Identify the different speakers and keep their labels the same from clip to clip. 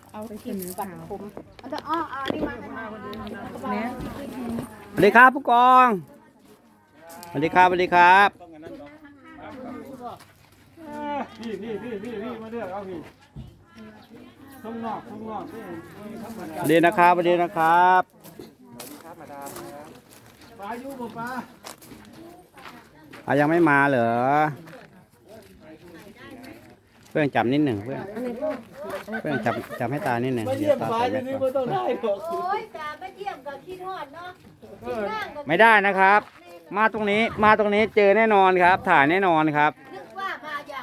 Speaker 1: เอาไปกินบัตรผมเอาแต่นี่มาเนี่ย
Speaker 2: สวัสดีครับผู้กองสวัสดีครับสวัสดีครับ
Speaker 3: พี่มาเลือกเอาพี่ข้างนอกนี่
Speaker 2: สวัสดีนะครับสวัสดีนะครับ
Speaker 3: ปลาอยู่บ่ปลา
Speaker 2: ยังไม่มาเหรอเพื่อนจับนิดหนึ่งเพื่อนจับให้ตานิดหนึ่ง
Speaker 3: มาเยี่ยมปลาอยู่นี่ไม่ต้องได้หรอก
Speaker 1: โอ้ยกาไม่เยี่ยมกับขี้ทอดเนาะ
Speaker 2: ไม่ได้นะครับ มาตรงนี้เจอแน่นอนครับ ถ่ายแน่นอนครับ
Speaker 1: นึกว่ามาอย่าง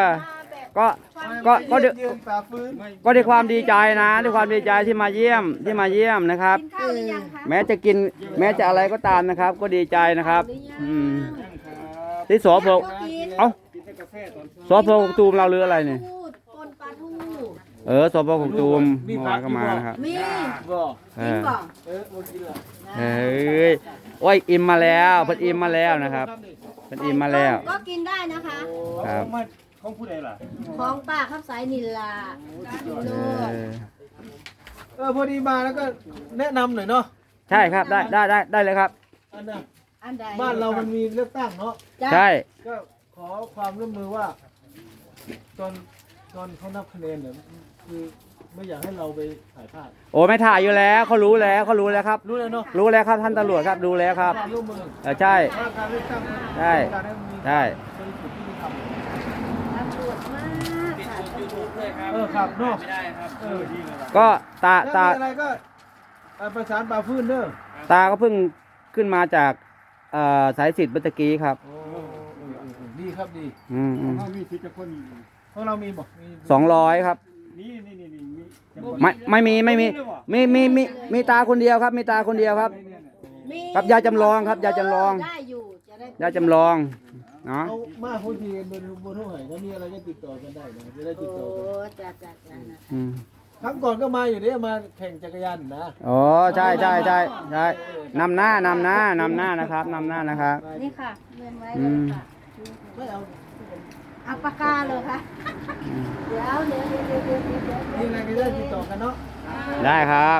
Speaker 2: ก็ด้วยความดีใจนะด้วยความดีใจที่มาเยี่ยมนะครับ
Speaker 1: กินข้าวหรือยังคะ
Speaker 2: แม้จะอะไรก็ตามนะครับ ก็ดีใจนะครับที่สพเอ้าสพกตูมเราหรืออะไรเนี่ย
Speaker 1: ปนปลาทู
Speaker 2: สพกตูมเมื่อวานก็มานะครับ
Speaker 1: มี
Speaker 3: บ่
Speaker 1: กินบ่
Speaker 3: บ่กินละ
Speaker 2: เฮ้ยโอ้ยอิ่มมาแล้วเพิ่นอิ่มมาแล้วนะครับเพิ่นอิ่มมาแล้ว
Speaker 1: ก็กินได้นะคะ
Speaker 2: ครับ
Speaker 3: ของผู้ใดล่ะ
Speaker 1: ของป้าข้าวสายนิลลาอยู่โลด
Speaker 3: พอดีมาแล้วก็แนะนำหน่อยเนาะ
Speaker 2: ใช่ครับได้เลยครับ
Speaker 3: อันน่ะ
Speaker 1: อันใด
Speaker 3: บ้านเรามันมีเลือกตั้งเนาะ
Speaker 2: ใช่
Speaker 3: ก็ขอความร่วมมือว่า ตอนเขานับคะแนนเนี่ยคือไม่อยากให้เราไปถ่ายภาพ
Speaker 2: โอ้ไม่ถ่ายอยู่แล้วเขารู้แล้วครับ
Speaker 3: รู้แล้วเนาะ
Speaker 2: รู้แล้วครับท่านตำรวจครับดูแล้วครับ
Speaker 3: ความร่วมมือ
Speaker 2: ใช่
Speaker 3: ว่าการเลือกตั้ง
Speaker 2: ใช่
Speaker 3: การให้มันมี
Speaker 2: ใช่
Speaker 3: บริสุทธิ์ที่มีธรรม
Speaker 1: ตำรวจมากค่ะ
Speaker 3: ครับเนาะ
Speaker 2: ก็ตา
Speaker 3: ถ้ามีอะไรก็ประสานป่าฟื้นเด้อ
Speaker 2: ตาก็เพิ่งขึ้นมาจากสายสิทธิ์เมื่อกี้ครับ
Speaker 3: โอ้ดีครับดี
Speaker 4: เขามีสิทธิ์จะคน
Speaker 3: เพราะเรามีบอกมี
Speaker 2: 200ครับ
Speaker 4: นี่
Speaker 2: ไม่มีตาคนเดียวครับมีตาคนเดียวครับ
Speaker 1: มี
Speaker 2: ครับยาจำลองครับยาจำลอง
Speaker 1: ได้อยู่จะได้
Speaker 2: ยาจำลองเนาะ
Speaker 3: เอามาพูดทีกันบนห้องไหนถ้ามีอะไรก็ติดต่อกันได้นะจะได้ติดต่อกัน
Speaker 1: จ้านะ
Speaker 3: ครั้งก่อนก็มาอยู่เนี่ยมาแข่งจักรยานนะ
Speaker 2: อ๋อใช่นำหน้านะครับนำหน้านะครับ
Speaker 1: นี่ค่ะเงินไว้เลยค่ะ
Speaker 3: ไม่เอา
Speaker 1: เอาปากกาเลยค่ะเดี๋ยว
Speaker 3: มีอะไรก็ได้ติดต่อกันเนาะ
Speaker 2: ได้ครับ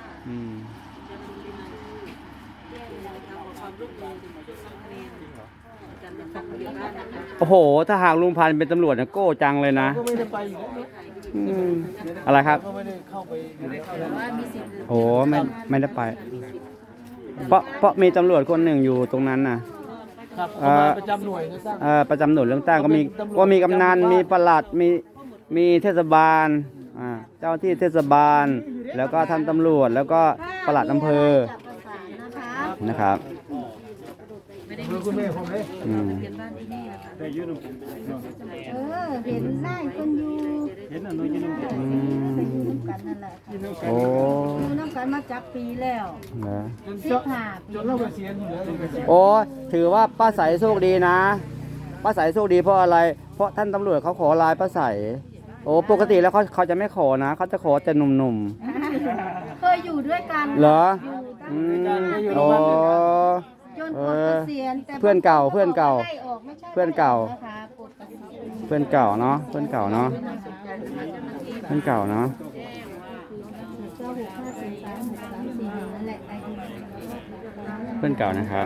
Speaker 2: โอ้โหถ้าหากลุงพันธุ์เป็นตำรวจเนี่ยโก้จังเลยนะ
Speaker 3: ก็ไม่ได้ไปอยู่แล้ว
Speaker 2: อะไรครับ
Speaker 3: ก็ไม่ได้เข้าไปอยู่ในเข้าแล้ว
Speaker 2: โอ้ไม่ได้ไป เพราะมีตำรวจคนหนึ่งอยู่ตรงนั้นน่ะ
Speaker 3: ครับมาประจำหน่วยนะตั้ง
Speaker 2: ประจำหน่วยเรื่องตั้งก็มีกำนันมีปลัดมีเทศบาลเจ้าที่เทศบาล แล้วก็ท่านตำรวจแล้วก็ปลัดอำเภอนะครับ
Speaker 3: คือคุณแม่ผมเลย
Speaker 4: แต่ยืนผม
Speaker 1: เห็นหน้าคนอยู่
Speaker 4: เห็นอันนู้นยืนผม
Speaker 1: ไปอยู่น้ำกันนั่นแหละ
Speaker 2: โอ้
Speaker 1: อยู่น้ำกันมาจับปีแล้ว
Speaker 2: เหรอ
Speaker 3: จนเราเกษียณอยู่แล้ว
Speaker 2: โอ้ถือว่าป้าใสโชคดีนะป้าใสโชคดีเพราะอะไร เพราะท่านตำรวจเขาขอไลน์ป้าใสโอ้ปกติแล้วเขาจะไม่ขอนะเขาจะขอแต่หนุ่ม
Speaker 1: เคยอยู่ด้วยกัน
Speaker 2: ๆเหรอ
Speaker 1: อยู่ตั้ง
Speaker 2: โอ้
Speaker 1: จนปลดเกษียณแต่
Speaker 2: เพื่อนเก่า
Speaker 1: ไม่ใช่
Speaker 2: เพื่อนเก่า
Speaker 1: นะคะปลดเกษียณ
Speaker 2: เพื่อนเก่าเนาะเพื่อนเก่าเนาะเพื่อนเก่าเนาะ
Speaker 1: เจ้า6543634นั่นแหละไอ้ที่
Speaker 2: เพื่อนเก่านะครับ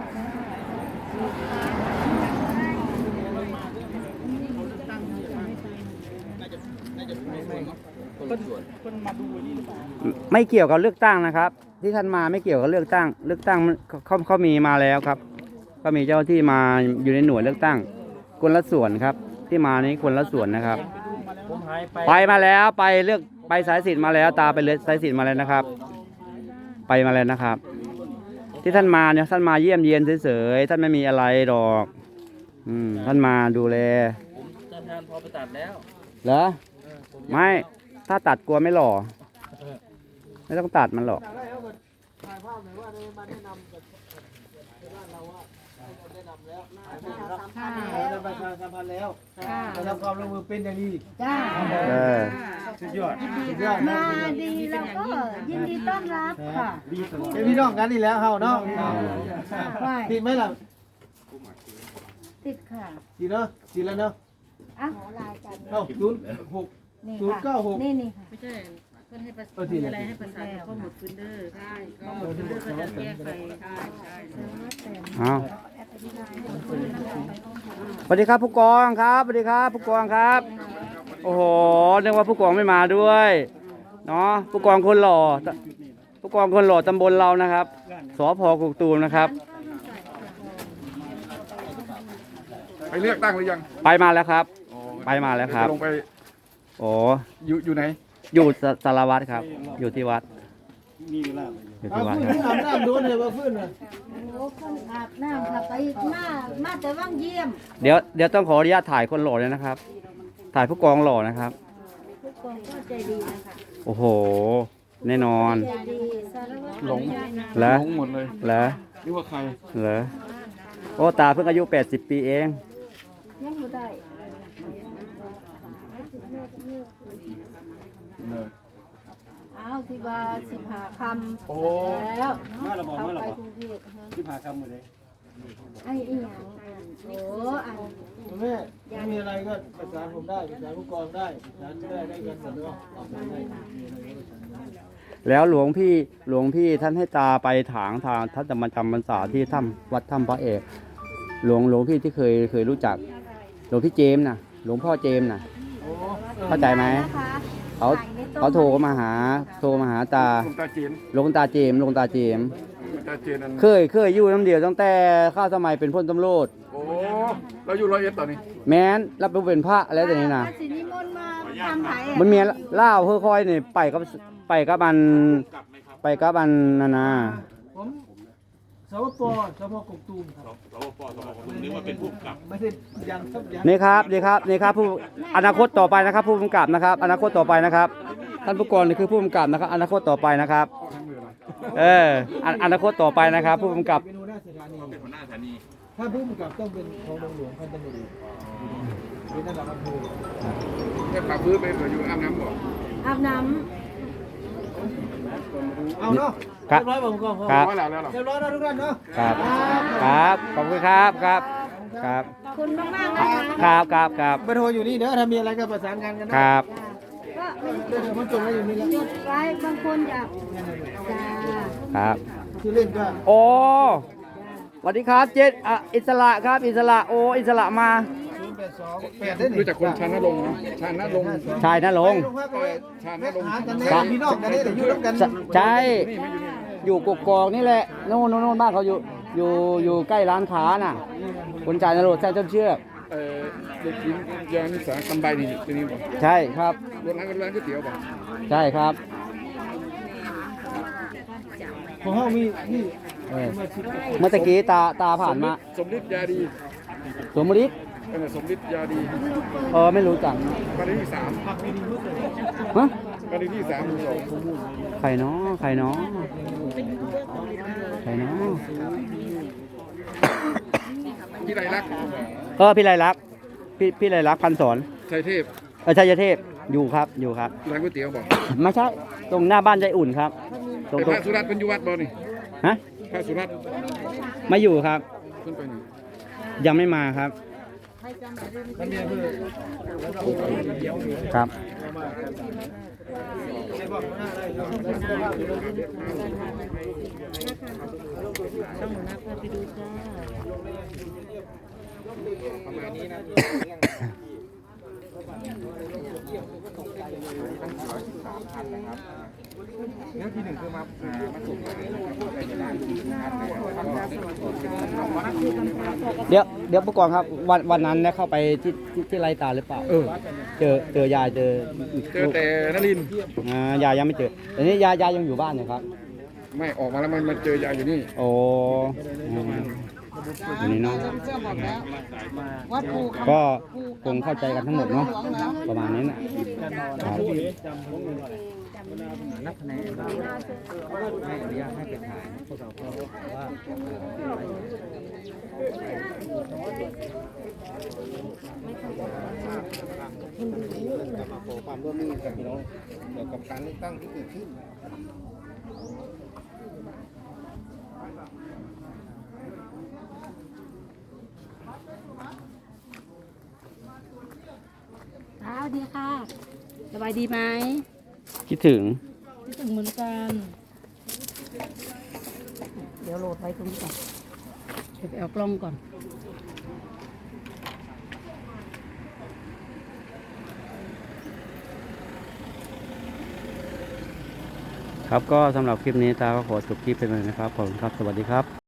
Speaker 2: ไม่เกี่ยวกับเลือกตั้งนะครับ ที่ท่านมาไม่เกี่ยวกับเลือกตั้งเขามีมาแล้วครับ ก็มีเจ้าที่มาอยู่ในหน่วยเลือกตั้งคนละส่วนครับ ที่มานี้คนละส่วนนะครับ
Speaker 3: ผมหายไป
Speaker 2: ไปมาแล้วไปสายสิทธิ์มาแล้วตาไปเลยสายสิทธิ์มาแล้วนะครับ ไปมาแล้วนะครับ ที่ท่านมาเนี่ยท่านมาเยี่ยมเยียนเฉยๆท่านไม่มีอะไรหรอกท่านมาดูแล
Speaker 3: ผมทำงานพอไปตัดแล้ว
Speaker 2: เหรอไม่ถ้าตัดกลัวไม่หล่อไม่ต้องตัดมันหรอก
Speaker 3: ถ่ายภาพหน่อยว่าได้มาแนะนำกับบ้านเราว่าแนะนำแล้วได้ประชาสัมพันธ์แล้วได้รับความร่วมมือเป็นอย่างดี
Speaker 1: จ้า
Speaker 4: สุดยอด
Speaker 3: สุดยอดนะ
Speaker 1: มาดีแล้วก็ยินดีต้อนรับค่ะ
Speaker 4: ดีตลอด
Speaker 3: เป็นพี่น้องกันนี่แล้วเฮาเนาะติดไหมล่ะ
Speaker 1: ติดค่ะ
Speaker 3: ติดเนาะติดแล้วเนาะ
Speaker 1: อ่ะขอลายกัน
Speaker 3: เอ้า06
Speaker 1: นี่
Speaker 3: ศูนย์เก้าหก
Speaker 1: นี่นี่ค่ะ
Speaker 5: ไม่ใช่เพื่อนให้ประสานอะไรให้ประสานข้อมูลฟินเดอร์ใช่ข้อมูลฟินเดอร์ก็จะแก้ไขใช่ใช่
Speaker 2: เอาสวัสดีครับผู้กองครับสวัสดีครับผู้กองครับ โอ้โหนึกว่าผู้กองไม่มาด้วยเนาะผู้กองคนหล่อผู้กองคนหล่อตำบลเรานะครับสพกกตูมนะครับ
Speaker 6: ไปเลือกตั้งหรือยัง
Speaker 2: ไปมาแล้วครับ ไปมาแล้วครับ
Speaker 6: จะลงไป
Speaker 2: โอ้
Speaker 6: อยู่ไหน
Speaker 2: อยู่สารวัตรครับ อยู่ที่วัด
Speaker 4: มีเวลา
Speaker 2: อยู่
Speaker 3: เอา
Speaker 2: ที่วัด
Speaker 3: ฟื้น
Speaker 2: ครับ
Speaker 3: ที่อาบน้ำโดนเลยว่าฟื้นเลย
Speaker 1: โอ้คนอาบน้ำค่ะไปมาแต่ว่างเยี่ยม
Speaker 2: เดี๋ยวต้องขออนุญาตถ่ายคนหล่อเลยนะครับ ถ่ายผู้กองหล่อนะครับ
Speaker 1: ทุกคนก็ใจดีนะคะ
Speaker 2: โอ้โห แน่นอน
Speaker 1: ใจดีสารวัตร
Speaker 6: หลง
Speaker 2: แล้ว
Speaker 6: หลงหมดเลย
Speaker 2: เหรอ
Speaker 6: นึกว่าใคร
Speaker 2: เหรอโอ้ตาเพิ่งอายุ80 ปีเอง
Speaker 1: ยังไม่ได้ อ้าวที่ว่า15 คำ
Speaker 6: โอ้
Speaker 1: แล้วเขาไปกรุงเทพฮะ
Speaker 4: ที่พาคำหมดเลย
Speaker 1: ไอ้อีหยังโอ้อัน
Speaker 3: แม่ไม่มีอะไรก็ประสานผมได้ประสานผู้กองได้ประสานได้กันหมดเนาะได้
Speaker 2: แล้วหลวงพี่ท่านให้ตาไปถางทางท่านจะมาจำพรรษาที่ถ้ำวัดถ้ำพระเอกหลวงพี่ที่เคยรู้จักหลวงพี่เจมส์นะหลวงพ่อเจมส์นะ
Speaker 3: โอ้
Speaker 2: เข้าใจไหม
Speaker 1: นะคะ
Speaker 2: เขาโทรมาหาตา
Speaker 6: หลวงตาจีน
Speaker 2: หลวงตาเจมส์
Speaker 6: หลวงตาจีนนั่น
Speaker 2: เคยอยู่น้ำเดียวตั้งแต่ข้าวสมัยเป็นพลตำรวจ
Speaker 6: โอ้เราอยู่101ตอนนี้
Speaker 2: แม้นรับเป็นพระอะไรแต่นี้นะ
Speaker 1: พระสินิมนต์มาทำไผ่
Speaker 2: มันเมียเล่าค่อยๆนี่ไปกับมันนานา
Speaker 3: ผมสวปสวกกตูมครับสวปนึกว่าเป็นผู้กำกับไม่ใช่ยังสักยัง
Speaker 2: นี่ครับผู้อนาคตต่อไปนะครับ ผู้กำกับนะครับ อนาคตต่อไปนะครับ ท่านผู้กองนี่คือผู้กำกับนะครับ อนาคตต่อไปนะครับ อนาคตต่อไปนะครับ ผู้กำกับ
Speaker 3: เป็นหัวหน้าสถานีถ้าผู้กำกับต้องเป็นของหลวงพันตำรวจเอกเป็นระดับอำเภอ
Speaker 6: แค่ปากพื้นไปเหลืออยู่อาบน้ำบ่
Speaker 1: อาบน้
Speaker 3: เอาเนาะ
Speaker 2: ครับ
Speaker 3: เรียบร้อยผมก็พอ
Speaker 2: ครับ
Speaker 6: ว่าแล้วเหรอ
Speaker 3: เรียบร้อยแล้วทุกท่านเนาะ
Speaker 2: ครับขอบคุณครับครับ
Speaker 1: ำคุณมากๆนะคะ
Speaker 2: ครับ
Speaker 3: เบอร์โทรอยู่นี่เด้อถ้ามีอะไรก็ประสานงานกันนะครับ
Speaker 1: ก็
Speaker 3: เบอร์โทรผมจดไว้อยู่นี่แล้ว
Speaker 1: จดไว้บางคนอยากจ้า
Speaker 2: ครับ
Speaker 3: ชื่อเล่นก็
Speaker 2: โอ้สวัสดีครับเจษอิสระครับอิสระโออิสระมา
Speaker 3: 082
Speaker 6: รู้จักคนชาญนรงค์นะชาญนรงค์
Speaker 2: ชายนะลงค์
Speaker 6: ชาญนรงค์
Speaker 3: หากันแน่พี่น้องกันแน่แต่อยู่ร่วมกัน
Speaker 2: ใช่อยู่กกอกนี่แหละโน่นบ้านเขาอยู่ใกล้ร้านค้าน่ะคนจ่ายนรกแท้จนเชื่อก
Speaker 6: เด็กหญิงยานิสาคำใบนี่ตัวนี้บ่
Speaker 2: ใช่ครับ
Speaker 6: รถร้านก๋วยเตี๋ยวบ่
Speaker 2: ใช่ครับ
Speaker 3: ของเขามีนี่
Speaker 2: เออเมื่อตะกี้ตาผ่านมา
Speaker 6: สมฤทธิ์ยาดี
Speaker 2: สมมติ
Speaker 6: สมฤทธิ์ยาดี
Speaker 2: ไม่รู้จัก
Speaker 6: บ้านเลขที่3
Speaker 2: ฮะ
Speaker 6: บ้านเลขที่3หมู่สอง
Speaker 2: ใครเนาะใครเนาะ
Speaker 6: พี่ไรลักษณ์
Speaker 2: พี่ไรลักษณ์พี่ไรลักษณ์พันศร
Speaker 6: ชัยเทพ
Speaker 2: ชัยเทพอยู่ครับ
Speaker 6: ร้านก๋วยเตี๋ยวบ่
Speaker 2: ไม่ใช่ตรงหน้าบ้านใจอุ่นครับตรง
Speaker 6: แต่พระสุรัตน์เป็นอยู่วัดบ่นี่
Speaker 2: ฮะ
Speaker 6: พระสุรัตน์
Speaker 2: ไม่อยู่ครับ
Speaker 6: ขึ้นไปไหน
Speaker 2: ยังไม่มาครับ
Speaker 3: มันมีอำเภอ
Speaker 2: ครับ
Speaker 3: ได้บอกหัวหน้าได้ครับ
Speaker 5: ต้องหัวหน้าพาไปดูจ้า
Speaker 6: เรื่องที่1คือมาส่ง
Speaker 2: เดี๋ยวผู้กองครับวันนั้นได้เข้าไปที่ไรตาหรือเปล่าเจอยายเจอ
Speaker 6: แต่นรินทร์
Speaker 2: ยายยังไม่เจอแต่นี้ยายยังอยู่บ้านอยู่ครับ
Speaker 6: ไม่ออกมาแล้วมันเจอยายอยู่นี่
Speaker 2: โอ้อันนี้เนาะก็คงเข้าใจกันทั้งหมดเนาะประมาณนี้นะครับนักคะแนนไม่อนุญาตให้เป็นถ่ายพวกเราก็ว่า
Speaker 3: มาขอความร่วมมือกับพี่น้องเกี่ยวกับการเลือกตั้งที่เกิดขึ้น
Speaker 1: สวัสดีค่ะ
Speaker 5: สบายดีไหม
Speaker 2: คิดถึง
Speaker 5: คิดถึงเหมือนกันเดี๋ยวโหลดไว้ตรงนี้ก่อนเดี๋ยวไปเอากล้องก่อน
Speaker 2: ครับก็สำหรับคลิปนี้ตาก็ขอจบคลิปไปเลยนะครับขอบคุณครับสวัสดีครับ